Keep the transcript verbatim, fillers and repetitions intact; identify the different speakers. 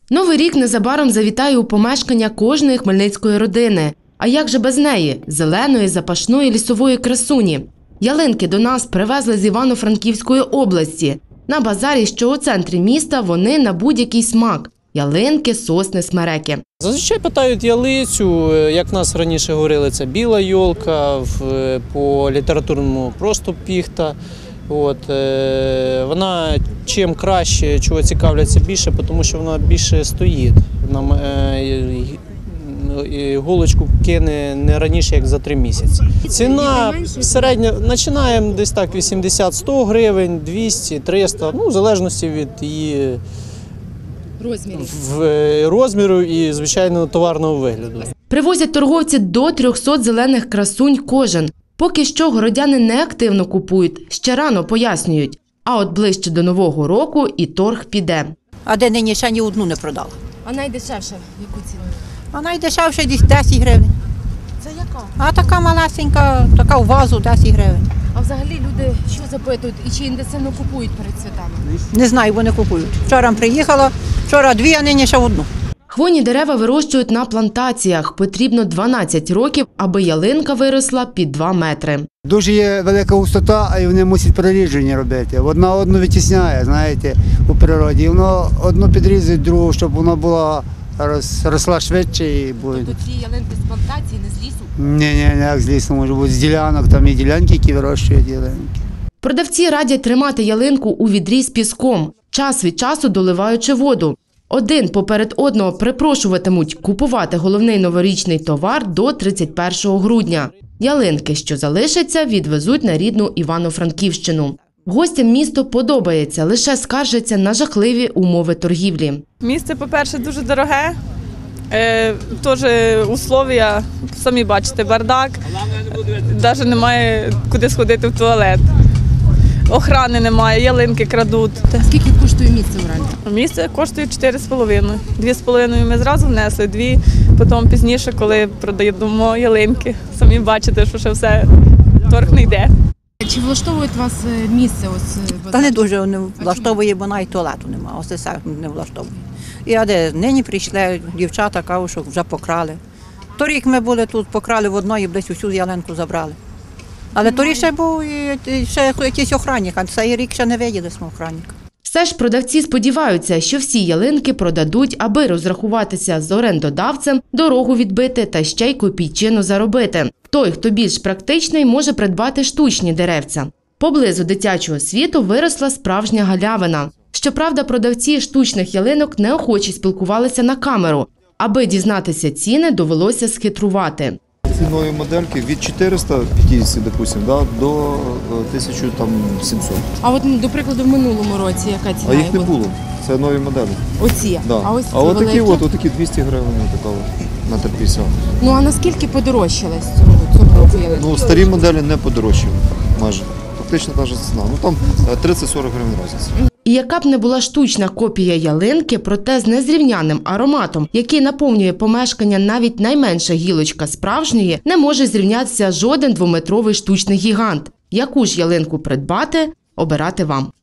Speaker 1: Новий рік незабаром завітає у помешкання кожної хмельницької родини. А як же без неї – зеленої, запашної лісової красуні? Ялинки до нас привезли з Івано-Франківської області. На базарі, що у центрі міста, вони на будь-який смак – ялинки, сосни, смереки.
Speaker 2: Зазвичай питають ялицю, як в нас раніше говорили, це біла йолка, по літературному просто піхта. От, вона чим краще, чого цікавляться більше, тому що вона більше стоїть. Вона голочку кине не раніше, як за три місяці. Ціна середня, починаємо десь так вісімдесят - сто гривень, двісті - триста, ну, в залежності від її розміру, в, розміру і, звичайно, товарного вигляду.
Speaker 1: Привозять торговці до трьохсот зелених красунь кожен. Поки що городяни не активно купують, ще рано пояснюють. А от ближче до Нового року і торг піде.
Speaker 3: А де нині ще ні одну не продала.
Speaker 4: А найдешевше яку ціну?
Speaker 3: А найдешевше десь десять гривень.
Speaker 4: Це яка?
Speaker 3: А така малесенька, така в вазу десять гривень.
Speaker 4: А взагалі люди що запитують і чи інтенсивно купують перед святами?
Speaker 3: Не знаю, вони купують. Вчора приїхала, вчора дві, а нині ще одну.
Speaker 1: Хвойні дерева вирощують на плантаціях. Потрібно дванадцять років, аби ялинка виросла під два метри.
Speaker 5: Дуже є велика густота, і вони мусять перерідження робити. Одна одну витісняє, знаєте, у природі. Воно одну підрізують, другу, щоб вона була росла швидше. І буде.
Speaker 4: Тобто ці ялинки з плантації, не з лісу?
Speaker 5: Ні, ні, не як з лісу, може бути з ділянок, там є ділянки, які вирощують ялинки.
Speaker 1: Продавці радять тримати ялинку у відрі з піском, час від часу доливаючи воду. Один поперед одного припрошуватимуть купувати головний новорічний товар до тридцять першого грудня. Ялинки, що залишаться, відвезуть на рідну Івано-Франківщину. Гостям місто подобається, лише скаржаться на жахливі умови торгівлі.
Speaker 6: Місце, по-перше, дуже дороге, е, теж условия, самі бачите, бардак, навіть немає куди сходити в туалет. Охрани немає, ялинки крадуть.
Speaker 4: Скільки коштує місце в оренді?
Speaker 6: Місце коштує чотири з половиною. Дві з половиною ми зразу внесли, дві потім пізніше, коли продаємо ялинки. Самі бачите, що ще все, торг не йде.
Speaker 4: Чи влаштовує вас місце? Ось,
Speaker 3: Та не дуже не влаштовує, бо навіть туалету немає, ось це не влаштовує. І а де нині прийшли, дівчата кажуть, що вже покрали. Торік ми були тут, покрали в одної, десь усю ялинку забрали. Але торік ще був і ще якийсь охранник, а цей рік ще не виділи свого охранника.
Speaker 1: Все ж продавці сподіваються, що всі ялинки продадуть, аби розрахуватися з орендодавцем, дорогу відбити та ще й копійчину заробити. Той, хто більш практичний, може придбати штучні деревця. Поблизу дитячого світу виросла справжня галявина. Щоправда, продавці штучних ялинок неохоче спілкувалися на камеру. Аби дізнатися ціни, довелося схитрувати.
Speaker 7: Ці нові модельки від чотириста п'ятдесят, допустим, да, до тисяча сімсот.
Speaker 4: А от, до прикладу, в минулому році яка ціна?
Speaker 7: А їх не було. Це нові моделі.
Speaker 4: Оці?
Speaker 7: Да.
Speaker 4: А ось
Speaker 7: а от такі,
Speaker 4: великі?
Speaker 7: от, отакі двісті гривень така от, на три п'ятдесят.
Speaker 4: Ну а наскільки подорожчали з цього, цього року ялинки?
Speaker 7: Ну, старі моделі не подорожчали майже. Фактично та ж ціна. Ну там тридцять - сорок гривень різниця.
Speaker 1: І яка б не була штучна копія ялинки, проте з незрівнянним ароматом, який наповнює помешкання навіть найменша гілочка справжньої, не може зрівнятися жоден двометровий штучний гігант. Яку ж ялинку придбати – обирати вам.